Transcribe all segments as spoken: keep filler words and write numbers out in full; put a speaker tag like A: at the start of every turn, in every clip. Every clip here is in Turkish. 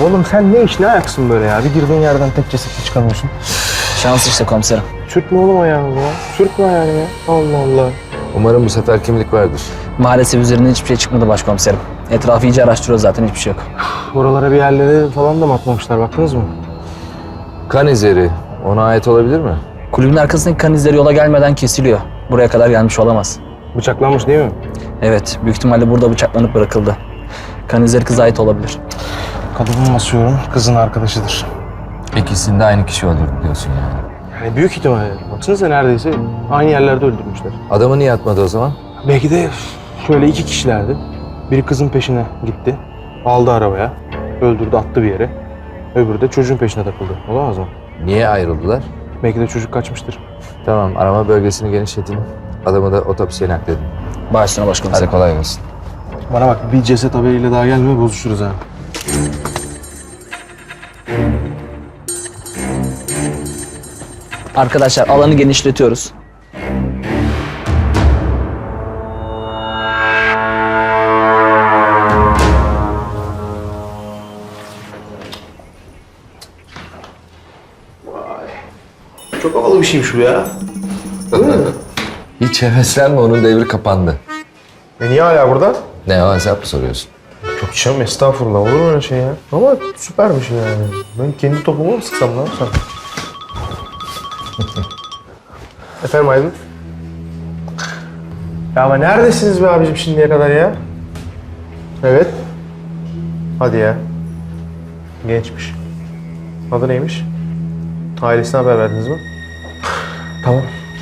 A: Oğlum sen ne iş ne ayaksın böyle ya? Bir girdiğin yerden tek cesetle çıkamıyorsun.
B: Şans işte komiserim.
A: Sürtme oğlum ayağını ya. Sürtme ayağını ya. Allah Allah.
C: Umarım bu sefer kimlik vardır.
B: Maalesef üzerinden hiçbir şey çıkmadı başkomiserim. Etrafı iyice araştırıyor zaten, hiçbir şey yok.
A: Oralara bir yerlere falan da mı atmamışlar, baktınız mı?
C: Kan izleri ona ait olabilir mi?
B: Kulübün arkasındaki kan izleri yola gelmeden kesiliyor. Buraya kadar gelmiş olamaz.
A: Bıçaklanmış değil mi?
B: Evet, büyük ihtimalle burada bıçaklanıp bırakıldı. Kan izleri kıza ait olabilir.
A: Kadının basıyorum, kızın arkadaşıdır.
C: İkisini de aynı kişi öldürdü diyorsun yani.
A: Yani büyük ihtimalle. Baksanıza neredeyse aynı yerlerde öldürmüşler.
C: Adamı niye atmadı o zaman?
A: Belki de şöyle iki kişilerdi. Biri kızın peşine gitti. Aldı arabaya. Öldürdü, attı bir yere. Öbürü de çocuğun peşine takıldı. Olamaz mı?
C: Niye ayrıldılar?
A: Belki de çocuk kaçmıştır.
C: Tamam, arama bölgesini genişletin. Adamı da otopsiye nakledin.
B: Başüstüne başkomiserim.
C: Hadi kolay gelsin.
A: Bana bak, bir ceset haberiyle daha gelme, bozuşuruz ha.
B: Arkadaşlar, alanı genişletiyoruz.
A: Çok havalı bir şeymiş bu ya.
C: Hiç heveslenme, onun devri kapandı.
A: E niye hala burada?
C: Ne o, hesap mı soruyorsun?
A: Yok canım, estağfurullah, olur mu öyle şey ya? Ama süpermiş yani. Ben kendi topumu mu sıksam, ne yapsam? Efendim Aydın? Ya ama neredesiniz be abicim şimdiye kadar ya? Evet. Hadi ya. Gençmiş. Adı neymiş? Ailesine haber verdiniz mi? Tamam.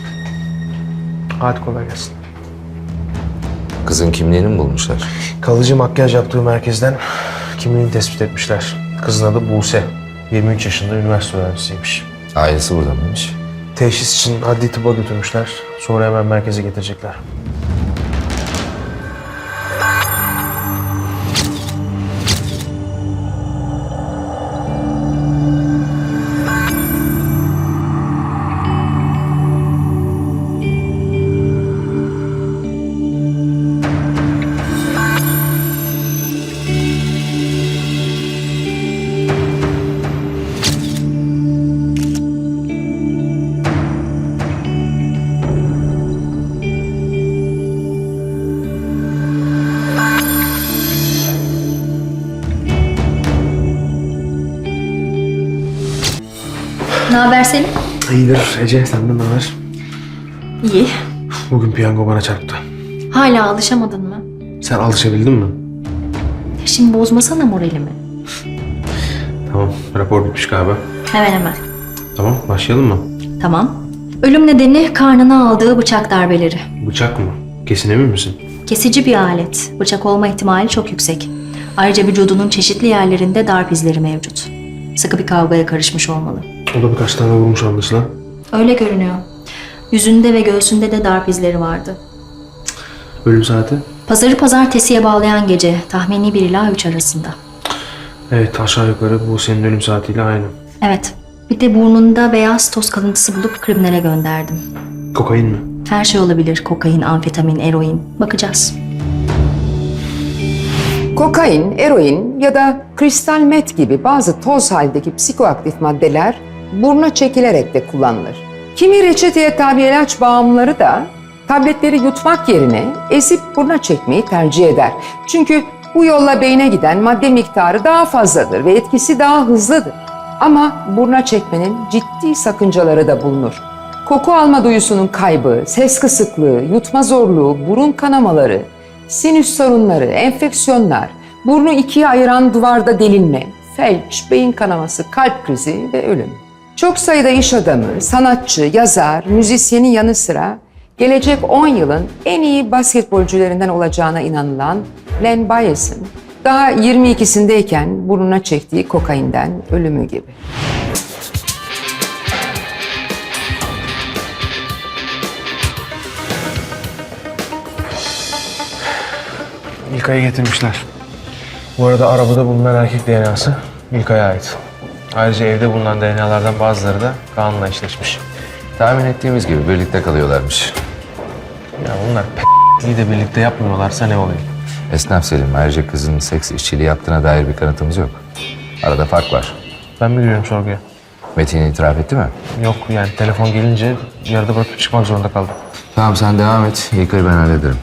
A: Hadi kolay gelsin.
C: Kızın kimliğini mi bulmuşlar?
A: Kalıcı makyaj yaptığı merkezden kimliğini tespit etmişler. Kızın adı Buse. yirmi üç yaşında, üniversite öğrencisiymiş.
C: Ailesi burada mıymış?
A: Teşhis için adli tıbba götürmüşler. Sonra hemen merkeze getirecekler.
D: Ne haber senin?
A: İyidir Ece, senden ne haber?
D: İyi.
A: Bugün piyango bana çarptı.
D: Hala alışamadın mı?
A: Sen alışabildin mi?
D: Şimdi bozmasana moralimi.
A: Tamam, rapor bitmiş galiba.
D: Hemen hemen.
A: Tamam, başlayalım mı?
D: Tamam. Ölüm nedeni karnına aldığı bıçak darbeleri.
A: Bıçak mı? Kesin emin misin?
D: Kesici bir alet. Bıçak olma ihtimali çok yüksek. Ayrıca vücudunun çeşitli yerlerinde darp izleri mevcut. Sıkı bir kavgaya karışmış olmalı.
A: O da birkaç tane vurmuş anlaşılan.
D: Öyle görünüyor. Yüzünde ve göğsünde de darp izleri vardı.
A: Ölüm saati?
D: Pazarı pazartesiye bağlayan gece, tahmini bir ila üç arasında.
A: Evet, aşağı yukarı bu senin ölüm saatiyle aynı.
D: Evet. Bir de burnunda beyaz toz kalıntısı bulup kriminale gönderdim.
A: Kokain mi?
D: Her şey olabilir. Kokain, amfetamin, eroin. Bakacağız.
E: Kokain, eroin ya da kristal met gibi bazı toz halindeki psikoaktif maddeler buruna çekilerek de kullanılır. Kimi reçeteye tabi ilaç bağımlıları da tabletleri yutmak yerine ezip buruna çekmeyi tercih eder. Çünkü bu yolla beyne giden madde miktarı daha fazladır ve etkisi daha hızlıdır. Ama buruna çekmenin ciddi sakıncaları da bulunur. Koku alma duyusunun kaybı, ses kısıklığı, yutma zorluğu, burun kanamaları, sinüs sorunları, enfeksiyonlar, burnu ikiye ayıran duvarda delinme, felç, beyin kanaması, kalp krizi ve ölüm. Çok sayıda iş adamı, sanatçı, yazar, müzisyenin yanı sıra gelecek on yılın en iyi basketbolcularından olacağına inanılan Len Bias'ın daha yirmi ikisindeyken burnuna çektiği kokainden ölümü gibi.
A: İlkay'ı getirmişler. Bu arada arabada bulunan erkek D N A'sı İlkay'a ait. Ayrıca evde bulunan D N A'lardan bazıları da Kaan'la eşleşmiş.
C: Tahmin ettiğimiz gibi birlikte kalıyorlarmış.
A: Ya bunlar p***liği de birlikte yapmıyorlarsa ne oluyor?
C: Esnaf Selim, ayrıca kızın seks işçiliği yaptığına dair bir kanıtımız yok. Arada fark var.
A: Ben mi giriyorum sorguya?
C: Metin itiraf etti mi?
A: Yok yani telefon gelince yarıda bırakıp çıkmak zorunda kaldım.
C: Tamam sen devam et. İlkay'ı ben hallederim.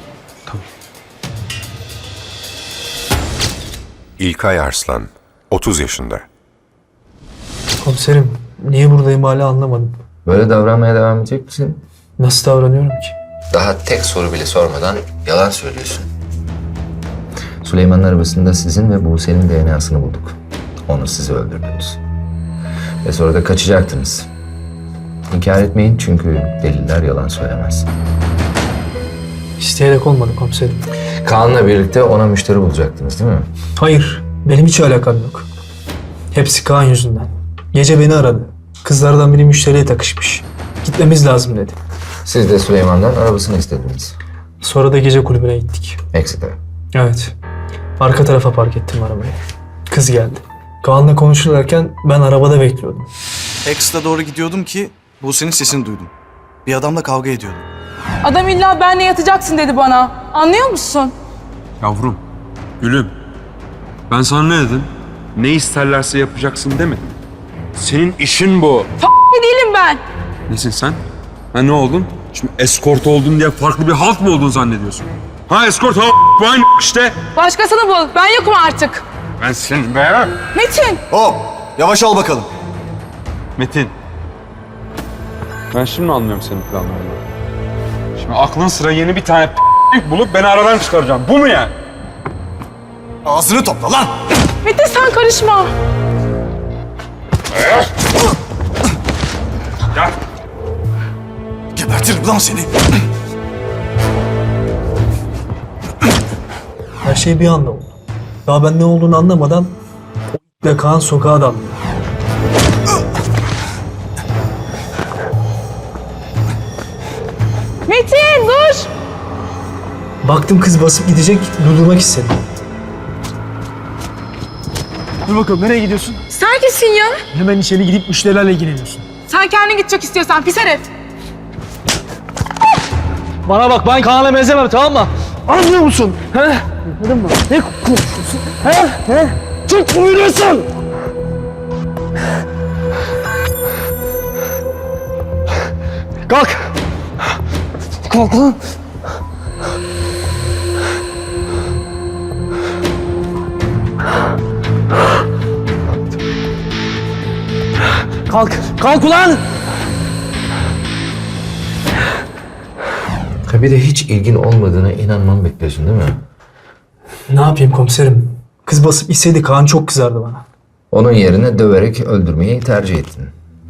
F: İlkay Arslan, otuz yaşında.
G: Komiserim, niye buradayım hala anlamadım.
C: Böyle davranmaya devam edecek misin?
G: Nasıl davranıyorum ki?
C: Daha tek soru bile sormadan yalan söylüyorsun. Süleyman'ın arabasında sizin ve Buse'nin D N A'sını bulduk. Onu siz öldürdünüz. Ve sonra da kaçacaktınız. İnkar etmeyin çünkü deliller yalan söylemez.
G: İsteyerek olmadı komiserim.
C: Kaan'la birlikte ona müşteri bulacaktınız değil mi?
G: Hayır, benim hiç alakam yok. Hepsi Kaan yüzünden. Gece beni aradı. Kızlardan biri müşteriye takışmış. Gitmemiz lazım dedi.
C: Siz de Süleyman'dan arabasını istediniz.
G: Sonra da gece kulübüne gittik.
C: Ekside.
G: Evet. Arka tarafa park ettim arabayı. Kız geldi. Kaan'la konuşurlarken ben arabada bekliyordum.
H: Ex'te doğru gidiyordum ki Buse'nin sesini duydum. Bir adamla kavga ediyordum.
I: Adam illa benle yatacaksın dedi bana. Anlıyor musun?
J: Yavrum, gülüm. Ben sana ne dedim? Ne isterlerse yapacaksın demedim. Senin işin bu.
I: F***li değilim ben.
J: Nesin sen? Ha ne oldun? Şimdi eskort oldun diye farklı bir halk mı oldun zannediyorsun? Ha eskort ha bu aynı işte.
I: Başkasını bul. Ben yokum artık.
J: Ben senin be.
I: Metin.
H: Hop! Yavaş ol bakalım.
J: Metin. Ben şimdi anlıyorum senin planlarını. Şimdi aklın sıra yeni bir tane p***lik bulup beni aradan çıkaracağım. Bu mu yani?
H: Ağzını topla lan!
I: Metin sen karışma.
J: Ya.
H: Gebertirim lan seni.
G: Her şey bir anda oldu. Daha ben ne olduğunu anlamadan o Kaan sokağa daldı.
I: Metin dur.
G: Baktım kız basıp gidecek, durdurmak istedim. Dur bakalım, nereye gidiyorsun?
I: Sen kimsin ya?
G: Hemen içeri gidip müşterilerle ilgileniyorsun.
I: Sen kendin gidecek istiyorsan pis herif.
G: Bana bak, ben Kaan'a benzemem, tamam mı? Anlıyor musun? He? Anladın mı? Ne konuşuyorsun? He? He? Çok buyuruyorsun! Kalk! Kalk lan! Kalk! Kalk ulan!
C: Ha bir de hiç ilgin olmadığına inanmamı bekliyorsun değil mi?
G: Ne yapayım komiserim? Kız basıp gitseydi Kaan çok kızardı bana.
C: Onun yerine döverek öldürmeyi tercih ettin.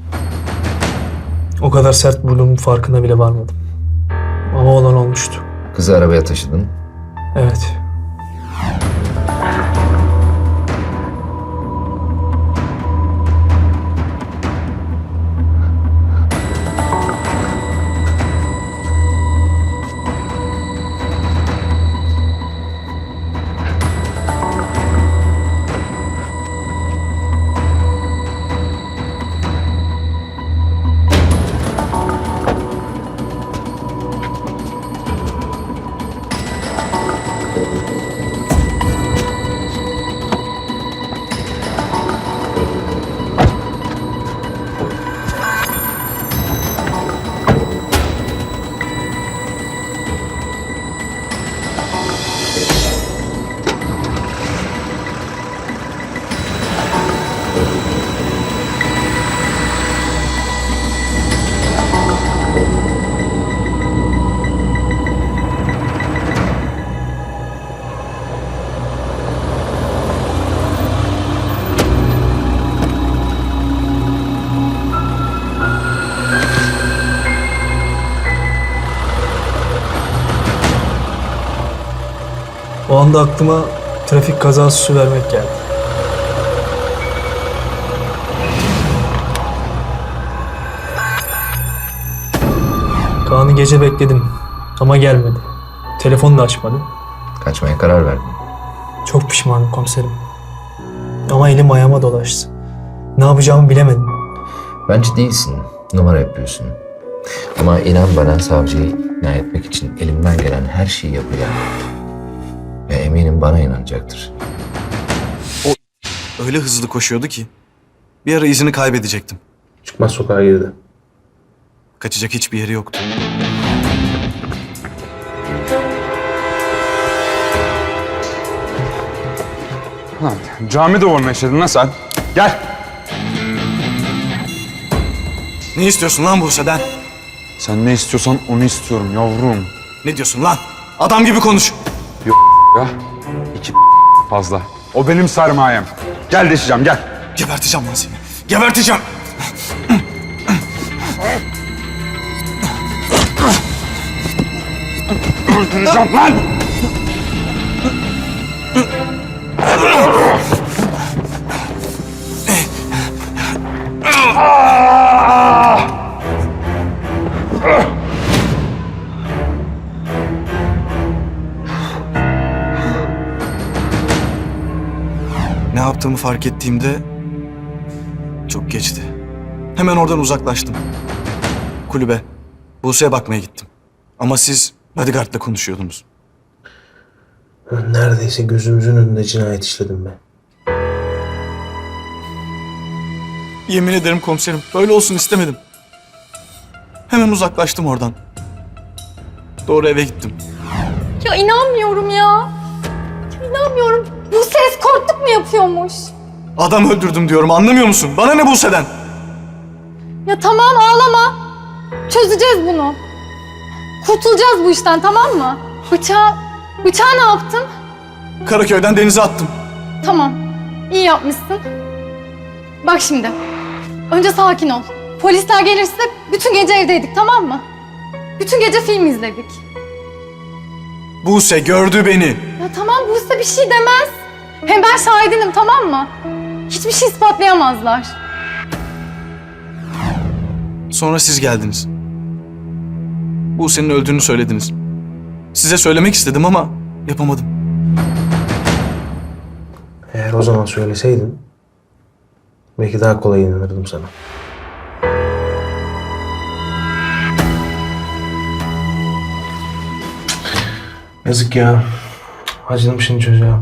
G: O kadar sert vurduğumun farkına bile varmadım. Ama olan olmuştu.
C: Kızı arabaya taşıdın.
G: Evet. O anda aklıma trafik kazası su vermek geldi. Kaan'ı gece bekledim ama gelmedi. Telefonu da açmadı.
C: Kaçmaya karar verdin.
G: Çok pişmanım komiserim. Ama elim ayağıma dolaştı. Ne yapacağımı bilemedim.
C: Bence değilsin. Numara yapıyorsun. Ama inan bana savcıyı ikna etmek için elimden gelen her şeyi yapacağım. Ve eminim bana inanacaktır.
H: öyle hızlı koşuyordu ki bir ara izini kaybedecektim.
A: Çıkmaz sokağa girdi.
H: Kaçacak hiçbir yeri yoktu.
J: Lan cami duvarına işledin lan sen. Gel.
H: Ne istiyorsun lan Buse'den?
J: Sen ne istiyorsan onu istiyorum yavrum.
H: Ne diyorsun lan? Adam gibi konuş.
J: Ya iki fazla. O benim sermayem. Gel deşeceğim gel.
H: Geberteceğim lan seni. Geberteceğim.
J: Öldüreceğim lan.
H: Ne yaptığımı fark ettiğimde çok geçti. Hemen oradan uzaklaştım. Kulübe, Buse'ye bakmaya gittim. Ama siz bodyguard'la konuşuyordunuz.
A: Neredeyse gözümüzün önünde cinayet işledim be.
H: Yemin ederim komiserim, böyle olsun istemedim. Hemen uzaklaştım oradan. Doğru eve gittim.
I: Ya inanmıyorum ya. Ya inanmıyorum. Bu ses korktuk mu yapıyormuş?
H: Adam öldürdüm diyorum, anlamıyor musun? Bana ne Buse'den?
I: Ya tamam ağlama. Çözeceğiz bunu. Kurtulacağız bu işten, tamam mı? Bıçağı, bıçağı ne yaptın?
H: Karaköy'den denize attım.
I: Tamam. İyi yapmışsın. Bak şimdi. Önce sakin ol. Polisler gelirse bütün gece evdeydik, tamam mı? Bütün gece film izledik.
H: Buse gördü beni.
I: Ya tamam, bu size bir şey demez. Hem ben şahidinim, tamam mı? Hiçbir şey ispatlayamazlar.
H: Sonra siz geldiniz. Buse'nin öldüğünü söylediniz. Size söylemek istedim ama yapamadım.
A: Eğer o zaman söyleseydin belki daha kolay inanırdım sana. Yazık ya. Acıdım şimdi çocuğa.